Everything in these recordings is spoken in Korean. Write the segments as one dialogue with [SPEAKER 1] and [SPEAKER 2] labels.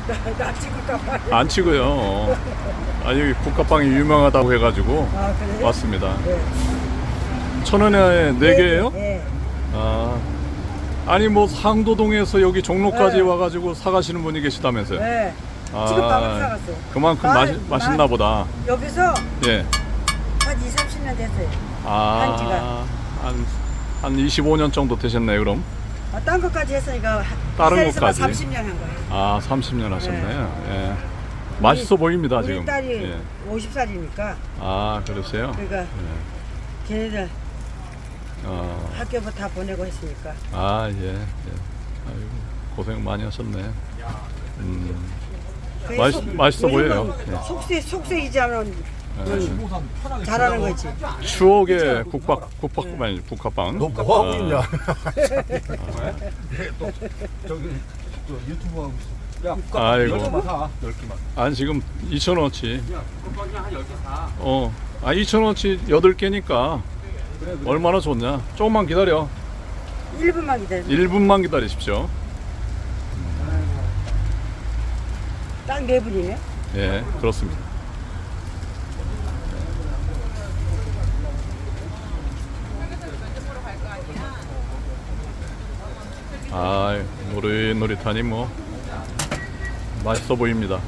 [SPEAKER 1] 나 찍을까봐.
[SPEAKER 2] 안 치고요. 아니 국화빵이 유명하다고 해가지고
[SPEAKER 1] 아, 그래요?
[SPEAKER 2] 왔습니다.
[SPEAKER 1] 네.
[SPEAKER 2] 1,000원에 4개예요?
[SPEAKER 1] 네.
[SPEAKER 2] 아, 아니 뭐 상도동에서 여기 종로까지
[SPEAKER 1] 네.
[SPEAKER 2] 와가지고 사가시는 분이 계시다면서요?
[SPEAKER 1] 네.
[SPEAKER 2] 아,
[SPEAKER 1] 지금 밥을 사갔어요.
[SPEAKER 2] 그만큼 맛있나 보다.
[SPEAKER 1] 여기서
[SPEAKER 2] 예.
[SPEAKER 1] 한 20, 30년 됐어요.
[SPEAKER 2] 아, 한 25년 정도 되셨네요, 그럼?
[SPEAKER 1] 아, 딴 것까지 했으니까
[SPEAKER 2] 다른
[SPEAKER 1] 이 자리에서만
[SPEAKER 2] 것까지?
[SPEAKER 1] 30년 한 거예요.
[SPEAKER 2] 아, 30년 하셨네요. 예. 맛있어 보입니다,
[SPEAKER 1] 우리
[SPEAKER 2] 지금.
[SPEAKER 1] 딸이
[SPEAKER 2] 예.
[SPEAKER 1] 50살이니까
[SPEAKER 2] 아, 그러세요?
[SPEAKER 1] 그러니까
[SPEAKER 2] 예.
[SPEAKER 1] 걔네들
[SPEAKER 2] 어.
[SPEAKER 1] 학교부터 다 보내고 했으니까.
[SPEAKER 2] 아, 예. 예. 아이고, 고생 많이 하셨네. 맛있어 보여요. 예.
[SPEAKER 1] 속세이지 않은 잘하는 거지.
[SPEAKER 2] 추억의 국화빵.
[SPEAKER 3] 너 뭐 하고 있냐?
[SPEAKER 4] 저기 유튜브 하고 있어. 야,
[SPEAKER 2] 아이고.
[SPEAKER 4] 10개만 사. 10개만.
[SPEAKER 2] 아니 지금 2,000원어치.
[SPEAKER 4] 야, 컵빵이 한 10개 사.
[SPEAKER 2] 2,000원어치 8개니까 얼마나 좋냐. 조금만 기다려.
[SPEAKER 1] 1분만 기다려.
[SPEAKER 2] 1분만 기다리십시오.
[SPEAKER 1] 딱 4분이네.
[SPEAKER 2] 예, 그렇습니다. 아, 노릇노릇하니 뭐 맛있어 보입니다.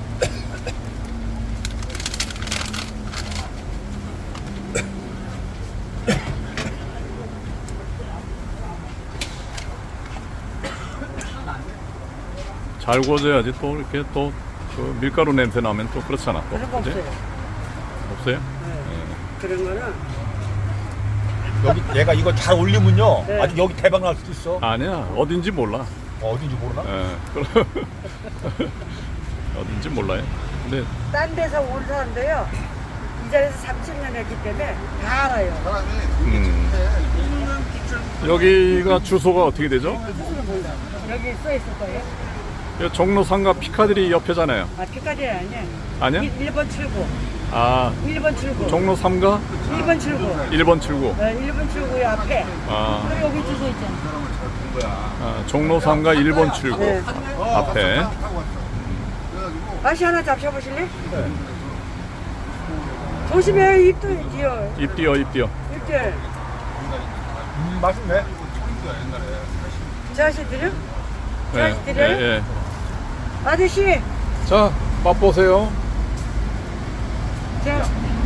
[SPEAKER 2] 잘 구워져야지 또 이렇게 또 그 밀가루 냄새 나면 또 그렇잖아. 또.
[SPEAKER 1] 그런 거
[SPEAKER 2] 그지?
[SPEAKER 1] 없어요.
[SPEAKER 2] 없어요?
[SPEAKER 1] 그런 거는
[SPEAKER 3] 여기 얘가 이거 잘 올리면요.
[SPEAKER 1] 네.
[SPEAKER 3] 아주 여기 대박 날 수도 있어.
[SPEAKER 2] 아니야, 어딘지 몰라.
[SPEAKER 3] 어딘지 모르나?
[SPEAKER 2] 예, 그럼 어딘지 몰라요. 근데
[SPEAKER 1] 딴 데서 온 사람도요. 이 자리에서 30년 했기 때문에 다 알아요.
[SPEAKER 2] 여기가 주소가 어떻게 되죠?
[SPEAKER 1] 여기 써 있을 거예요.
[SPEAKER 2] 여기 종로 상가 피카디리 옆에잖아요.
[SPEAKER 1] 아, 피카디리 아니야.
[SPEAKER 2] 아니야?
[SPEAKER 1] 1번 출구.
[SPEAKER 2] 아,
[SPEAKER 1] 1번 출구.
[SPEAKER 2] 종로 3가
[SPEAKER 1] 1번 출구.
[SPEAKER 2] 1번 출구.
[SPEAKER 1] 네, 1번 출구 앞에.
[SPEAKER 2] 아,
[SPEAKER 1] 그리고 여기 주소 있잖아.
[SPEAKER 2] 종로 3가 1번 출구
[SPEAKER 1] 네.
[SPEAKER 2] 앞에.
[SPEAKER 1] 다시 하나 잡숴보실래? 조심해요. 입도 뛰어.
[SPEAKER 2] 입 띄어.
[SPEAKER 1] 입 뛰어.
[SPEAKER 3] 맛있네.
[SPEAKER 1] 저 아저씨 드려? 저
[SPEAKER 2] 예,
[SPEAKER 1] 아저씨 드려요?
[SPEAKER 2] 예.
[SPEAKER 1] 아저씨.
[SPEAKER 2] 자, 맛보세요.
[SPEAKER 1] 자,